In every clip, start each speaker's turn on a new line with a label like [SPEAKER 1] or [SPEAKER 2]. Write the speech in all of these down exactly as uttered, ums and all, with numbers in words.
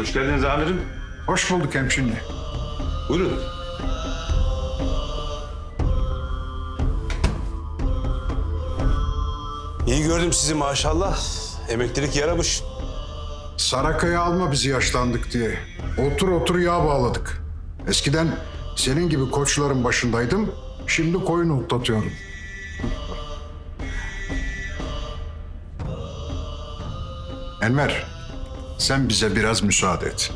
[SPEAKER 1] Hoş geldiniz amirim.
[SPEAKER 2] Hoş bulduk hemşinli.
[SPEAKER 1] Buyurun.
[SPEAKER 3] İyi gördüm sizi maşallah. Emeklilik yaramış.
[SPEAKER 2] Sarakaya alma bizi yaşlandık diye. Otur otur yağ bağladık. Eskiden senin gibi koçların başındaydım. Şimdi koyun otlatıyorum. Enver, sen bize biraz müsaade et.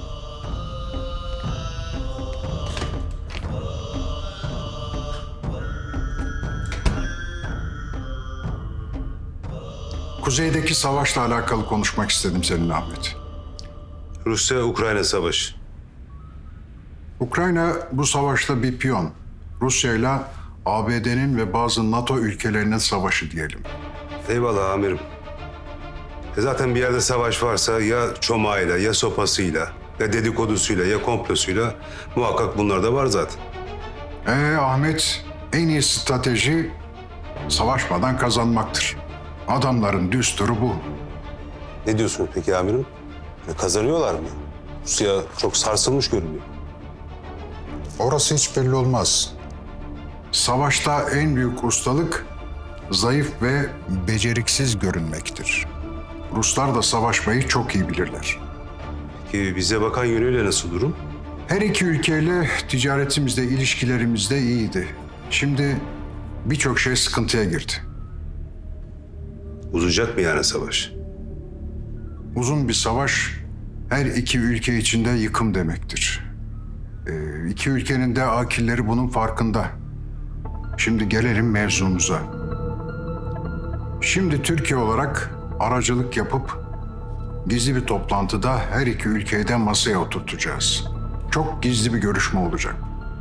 [SPEAKER 2] Kuzeydeki savaşla alakalı konuşmak istedim seninle Ahmet.
[SPEAKER 3] Rusya-Ukrayna savaşı.
[SPEAKER 2] Ukrayna bu savaşta bir piyon. Rusya ile A B D'nin ve bazı NATO ülkelerinin savaşı diyelim.
[SPEAKER 3] Eyvallah amirim. E zaten bir yerde savaş varsa ya çomağıyla, ya sopasıyla, ya dedikodusuyla, ya komplosuyla muhakkak bunlar da var zaten.
[SPEAKER 2] Ee Ahmet, en iyi strateji savaşmadan kazanmaktır. Adamların düsturu bu.
[SPEAKER 3] Ne diyorsunuz peki amirim? E, kazanıyorlar mı? Rusya çok sarsılmış görünüyor.
[SPEAKER 2] Orası hiç belli olmaz. Savaşta en büyük ustalık zayıf ve beceriksiz görünmektir. Ruslar da savaşmayı çok iyi bilirler.
[SPEAKER 3] Ki bize bakan yönüyle nasıl durum?
[SPEAKER 2] Her iki ülkeyle ticaretimizde, ilişkilerimizde iyiydi. Şimdi birçok şey sıkıntıya girdi.
[SPEAKER 3] Uzayacak mı yani savaş?
[SPEAKER 2] Uzun bir savaş her iki ülke içinde yıkım demektir. Ee, iki ülkenin de akilleri bunun farkında. Şimdi gelelim mevzumuza. Şimdi Türkiye olarak aracılık yapıp gizli bir toplantıda her iki ülkeyi de masaya oturtacağız. Çok gizli bir görüşme olacak.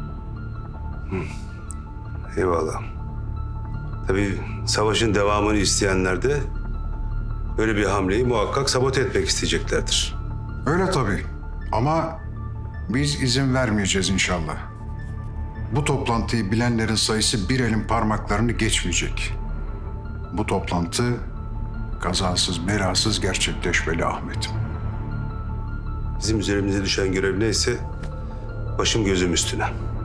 [SPEAKER 3] Eyvallah. Tabii savaşın devamını isteyenler de böyle bir hamleyi muhakkak sabote etmek isteyeceklerdir.
[SPEAKER 2] Öyle tabii. Ama biz izin vermeyeceğiz inşallah. Bu toplantıyı bilenlerin sayısı bir elin parmaklarını geçmeyecek. Bu toplantı kazasız belasız gerçekleşmeli Ahmet'im.
[SPEAKER 3] Bizim üzerimize düşen görev neyse başım gözüm üstüne.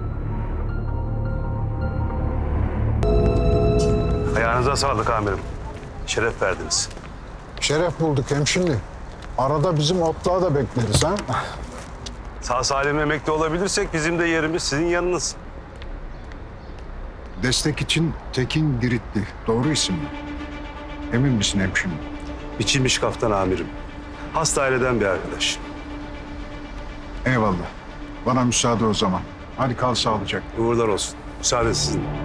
[SPEAKER 3] Ayağınıza sağlık amirim. Şeref verdiniz.
[SPEAKER 2] Şeref bulduk hemşinli. Arada bizim otluğa da bekleriz ha.
[SPEAKER 3] Sağ salim emekli olabilirsek bizim de yerimiz sizin yanınız.
[SPEAKER 2] Destek için Tekin Giritli. Doğru isim mi? Emin misin hemşinli?
[SPEAKER 3] Biçilmiş kaftan amirim. Hasta aileden bir arkadaş.
[SPEAKER 2] Eyvallah. Bana müsaade o zaman. Hadi kal sağlıcakla.
[SPEAKER 3] Uğurlar olsun. Müsaade sizin.